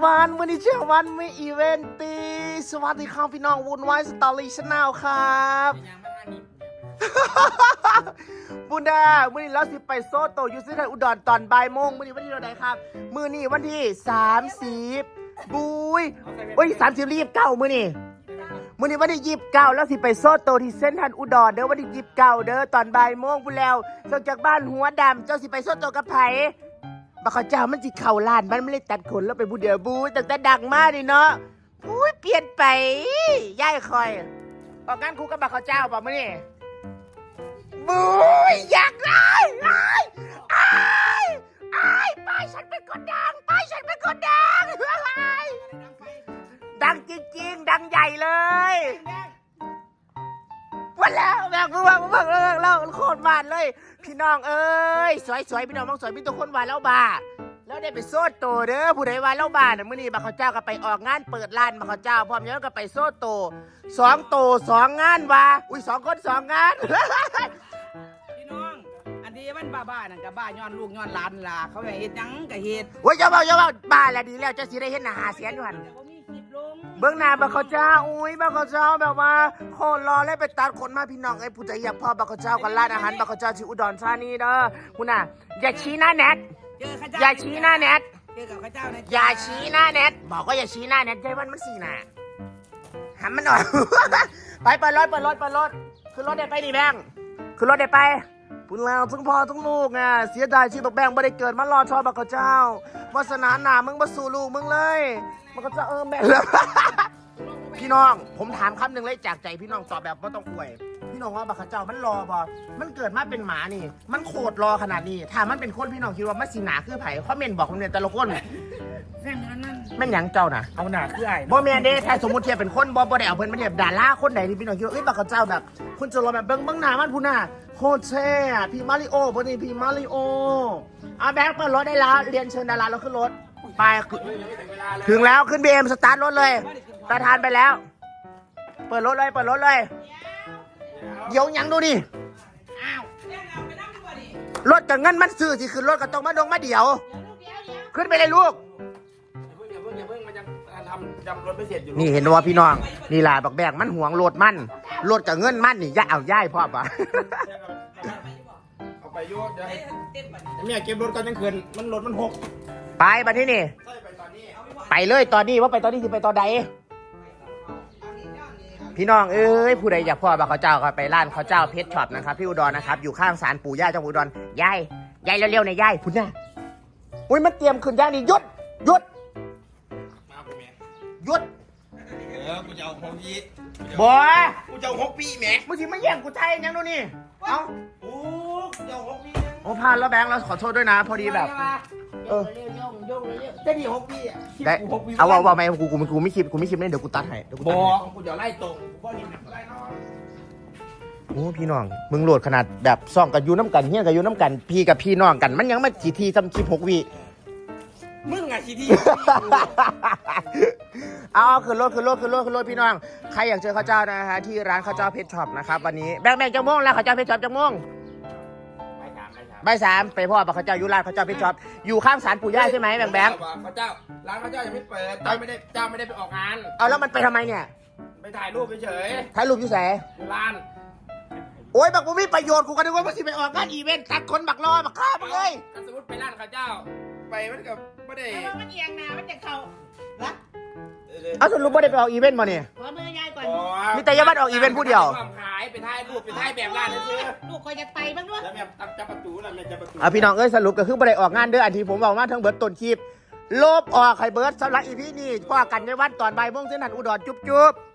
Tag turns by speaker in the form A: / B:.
A: วันวันนี้เช้าวันไม่อีเวนตีสวัสดีครับพี่น้องวุ่นวายสตอรี่ชาแนลครับบุญดามื่อนี้เราสิไปโซโตยูซิไทยอุดรตอนบ่ายโมงมื่อนี้วันที่เท่าไหร่ครับมื่อนี้วันที่30บุยโอ้ย30รีบเก้ามื่อนี้วันที่29แล้วสิไปโซโตที่เซ็นทรัลอุดรเด้อวันที่29เด้อตอนบ่ายโมงพูดแล้วส่งจากบ้านหัวดำเจ้าสิไปโซโตกับไผบักเขาเจ้ามันสิเข่าล้านมันไม่ได้ตัดขนแล้วไปบูเดียวบูตั้งแต่ดังมากเลยเนาะอุ้ยเปลี่ยนไปย่ายคอยออกงานคู่กับบักเขาเจ้าป่ะมื่อนี้บูอยากได้ป้ายฉันเป็นคนดังป้ายฉันเป็นคนดังดังจริงๆดังใหญ่เลยวันแล้วแบบเราโคตรหวานเลยพี่น้องเอ้ยสวยพี่น้องมองสวยพี่ตัวคนหวานแล้วบ้าแล้วได้ไปโซดโตเด้อผู้ใดหวานแล้วบ้าเนี่ยมื้อนี้บักเขาเจ้าก็ไปออกงานเปิดร้านบักเขาเจ้าพร้อมแล้วก็ไปโซดโต2 โต 2 งานว่ะอุ้ย2 คน 2 งาน
B: พี่น้องอันนี้มันบ้านั่นกับบ้าย้อนลูกย้อนหลานล่ะเขาไปเฮ็ดหยังก็เฮ็ด
A: โอ้ยอย่าเว้าบ้าแล้วดีแล้วจะสิได้เฮ็ดหน้า5 แสนอยู่หั่นเบื้องหน้าบักเขาเจ้าอุ้ยบักเขาเจ้าแบบว่าโคตรรอเลยไปตัดขนมาพี่น้องไอ้ผู้ใจอยากพอบักเขาเจ้ากับร้านอาหารบักเขาเจ้าที่อุดรธานีเด้อคุณน่ะอย่าชี้หน้าแนทอย่าชี้หน้าแนท
B: เจอกับข้าเจ้านะ
A: อย่าชี้หน้าแนทบอกว่าอย่าชี้หน้าแนทใจมันสีหน้าหันมันหน่อย ไปเปิดรถขึ้นรถได้ไปดิแบงขึ้นรถได้ไปพูดแล้วทั้งพ่อทั้งลูกไงเสียดายที่บักแบงไม่ได้เกิดมารอชอบบักเขาเจ้าวาสนาหนามึงมาสู่ลูกมึงเลยบักเขาเจ้าแบงพี่น้องผมถามคำหนึ่งเลยจากใจพี่น้องตอบแบบไม่ต้องอวยพี่น้องว่าบักเขาเจ้ามันรอบอมันเกิดมาเป็นหมานี่มันโคตรรอขนาดนี้ถ้ามันเป็นคนพี่น้องคิดว่ามันสีหนาคือไผ่คอมเมนต์บอกผมเนี่ยแต่ละคนแม่นยังเจ้าน่ะ
B: เอาหนาคือไอ้
A: บ่แม่นเด้ถ้าสมมุติเทียบเป็นคนบ่ได้เอาเพิ่นมาเทียบดาราคนไหนที่พี่น้องคิดว่าบักเขาเจ้าแบบคุณจะรอแบบเบิ่งหน้ามันพูน่ะโคตรแช่พี่มาริโอพอดีพี่มาริโอแบงค์เปิดรถได้แล้วเรียนเชิญดาราเราขึ้นรถไปถึงแล้วขึ้นบีเอ็มสตาร์ทรถเลยประธานไปแล้วเปิดรถเลยเดี๋ยวยังดูนี่รถกับเงินมันซื้อสิขึ้นรถก็ต้องมาเดี๋ยวขึ้นไปเลยลูก
B: อย่าเพิ่งมันยังทำรถไม่เสร็จอยู่
A: นี่เห็นว่าพี่น้องนี่ล่ะบักแบงมันห่วงรถกับเงินมันนี่ย่ายพ่อปะ
B: เอาไปยุ่งเดี๋ยวเนี่ยเก็บรถก่อนยังคืนมันรถมันหก
A: ไปบัดนี้นี่ไปเลยตอนนี้ว่าไปตอนนี้สิไปตอนใดพี่น้องเอ้ยผู้ใดอยากพ่อบักเขาเจ้าก็ไปร้านเขาเจ้าเพชรช็อปนะครับที่อุดรนะครับอยู่ข้างศาลปู่ย่าจังหวัดอุดรยายเร็วๆหน่อยยายพุ่นน่ะอุ้ยมันเตรียมขึ้นย่างนี่หยุด
B: กูจะเอาหกปี
A: บ่
B: กูจะเอา6 ปีแม่
A: มึงสิมาแย่งกูไทยยังดูนี่เอ้า
B: กูจะเอา6 ปี
A: โอ้พลาดแล้วแบงค์เราขอโทษด้วยนะพอดีแบบ
B: ย่งจะดี6 ปีอ่ะ
A: ได้เอาว่าไหมกูไม่คิดเล่นเดี๋ยวกูตัดให้
B: บอกกูจะไล่ตรงกูนี่ไล่น้อง
A: โอ้พี่น้องมึงโหลดขนาดแบบซ่องกับยูน้ำกันเฮี้ยกับยูน้ำกันพี่กับพี่น้องกันมันยังมาทีทำคลิป6 วิ
B: มึงอะที
A: เอาขึ้นรถพี่น้องใครอยากเจอข้าวเจ้านะฮะที่ร้านข้าวเจ้าเพชรช็อปนะครับวันนี้แบงจังม่วงแล้วข้าวเจ้าเพชรช็อปจังม่วงบ่าย 3ไปพ่อบักข้าวเจ้าอยู่ร้านข้าวเจ้าเพชรช็อปอยู่ข้างศาลปู่ย่าใช่ไหมแบง
B: ข้าวเจ้าร้านข้าวเจ้ายังไม่เปิดเจ้าไม่ได้ไปออกงาน
A: เอาแล้วมันไปทำไมเนี่ย
B: ไปถ่ายรูปเฉย
A: ถ่ายรูปอยู่ไหน
B: ร้าน
A: โอ้ยบักบุ้มีประโยชน์กูก็นึกว่ามันสิไปออกงานอีเวนต์ตัดคนบักรอบักข้าบักเลย
B: สมมติไปร้านข้าวเจ้าไปมันกับไม่ได้
C: มันเอียงนามันจะเข่าละ
A: เอาสรุปว่าได้ไปออกอีเวนต์มาเนี่ย
C: ขอมือยายก่อน
A: มีแต่ยาบัดออกอีเวนต์ผู้เดียว
B: ขายไปถ่ายรูปไปถ่ายแบบร้านนั่นซื้อ
C: ลูกคอยจะไปบ้างด้วย
B: แล้วแบบจับประตูแล้วจับประตู
A: พี่น้องเอ้ยสรุปก็คือไม่ได้ออกงานเด้ออันที่ผมบอกมาทั้งเบิร์ดต้นคลิปลบออกไข่เบิร์ดสำหรับอีพีนี้พ่อกันในวันตอนบ่ายโมงเส้นหันอุดรจุ๊บ